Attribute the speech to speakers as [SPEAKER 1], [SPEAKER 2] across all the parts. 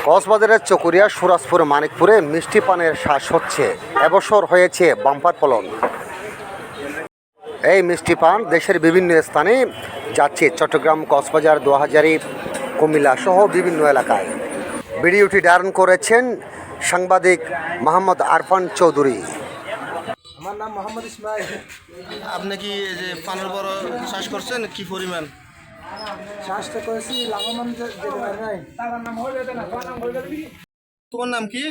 [SPEAKER 1] কক্সবাজারের চকরিয়া সুরাজপুর মানিকপুরে মিষ্টি পানের শ্বাস হচ্ছে। এবছর হয়েছে বাম্পার ফলন। এই মিষ্টি পান দেশের বিভিন্ন স্থানে যাচ্ছে, চট্টগ্রাম, কক্সবাজার, দোহাজারী, কুমিল্লা সহ বিভিন্ন এলাকায়। ভিডিওটি ধারণ করেছেন সাংবাদিক মোহাম্মদ আরফান চৌধুরী।
[SPEAKER 2] আমার নাম মোহাম্মদ ইসমাইল।
[SPEAKER 3] আপনি কি এই যে পানের বড় চাষ করছেন, কি পরিমাণ?
[SPEAKER 2] চাষটা করেছি লাভবান যেতে পারে নাই।
[SPEAKER 3] তোমার নাম কি?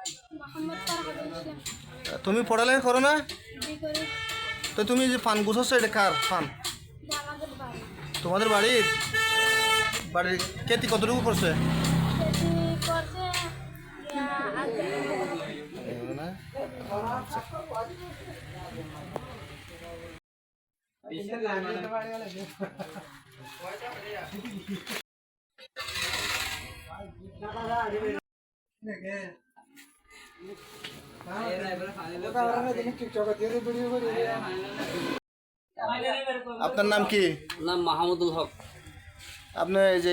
[SPEAKER 3] তুমি পড়ালেখা করো না? তো তুমি যে পান গুছাচ্ছ, এটা কার পান? তোমাদের বাড়ির খেতি কতটুকু করছে? আপনার নাম কি?
[SPEAKER 4] নাম মাহমুদুল হক।
[SPEAKER 3] আপনি যে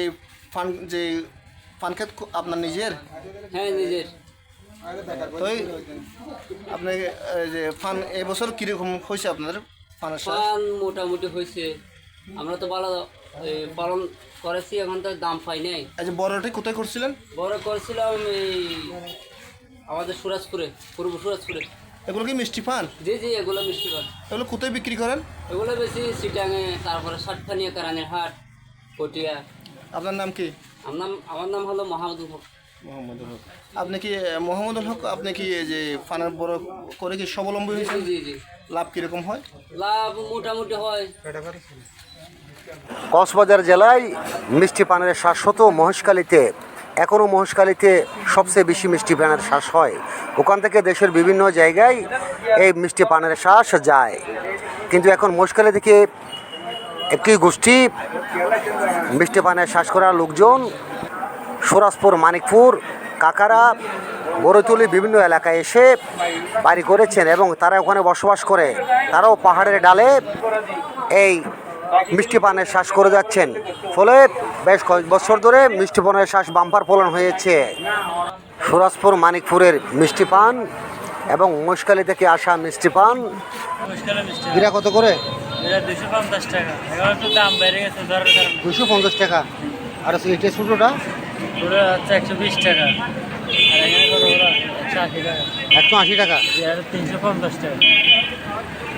[SPEAKER 3] পান ক্ষেত আপনার নিজের?
[SPEAKER 4] হ্যাঁ, নিজের।
[SPEAKER 3] তো আপনি যে পান এবছর কীরকম হয়েছে আপনাদের পানের চাষ?
[SPEAKER 4] পান মোটামুটি হয়েছে, আমরা তো ভালো পালন করেছি, এখন তো দাম পাই নাই।
[SPEAKER 3] এই যে বড়টি কোথায় করছিলেন?
[SPEAKER 4] বড় করেছিলাম এই আমাদের সুরাজপুরে, পূর্ব সুরাজপুরে।
[SPEAKER 3] এগুলো কি মিষ্টি পান?
[SPEAKER 4] জি জি, এগুলো মিষ্টি পান।
[SPEAKER 3] এগুলো কোথায় বিক্রি করেন?
[SPEAKER 4] এগুলো বেশি সিটাঙে, তারপরে সাতখানিয়া, কারানের হাট, পটিয়া।
[SPEAKER 3] আপনার নাম কি?
[SPEAKER 4] আমার নাম হলো মাহমুদুল হক।
[SPEAKER 3] মোহাম্মদুল হক। আপনি কি মোহাম্মদুল হক, আপনি কি এই যে পানের বড় করে কি স্বাবলম্বী হয়েছেন?
[SPEAKER 4] জি জি।
[SPEAKER 3] লাভ কীরকম হয়?
[SPEAKER 4] লাভ মোটামুটি হয়।
[SPEAKER 1] কক্সবাজার জেলায় মিষ্টি পানের শ্বাস হতো মহেশখালীতে। এখনও মহেশখালীতে সবচেয়ে বেশি মিষ্টি পানের শ্বাস হয়। ওখান থেকে দেশের বিভিন্ন জায়গায় এই মিষ্টি পানের শ্বাস যায়। কিন্তু এখন মহেশখালী থেকে একটি গোষ্ঠী মিষ্টি পানের শ্বাস করা লোকজন সুরাজপুর, মানিকপুর, কাকারা, বড়তুলি বিভিন্ন এলাকায় এসে বাড়ি করেছেন এবং তারা ওখানে বসবাস করে। তারাও পাহাড়ের ডালে এই মিষ্টি পানের শ্বাস করে যাচ্ছেন। ফলে বেশ কয়েক বছর ধরে মিষ্টি পানের শ্বাস বাম্পার ফলন হয়েছে। সুরাজপুর, মানিকপুরের মিষ্টি পান এবং মহেশখালী থেকে আসা মিষ্টি পান এরা কত করে?
[SPEAKER 5] 250 টাকা। এখন একটু দাম বেড়ে গেছে দরের কারণে।
[SPEAKER 1] 250 টাকা। আর এটা ছোটোটা?
[SPEAKER 5] পুরো হচ্ছে 120 টাকা। আর এখানে কত ওরা 180 টাকা।
[SPEAKER 1] 180 টাকা।
[SPEAKER 5] 350 টাকা।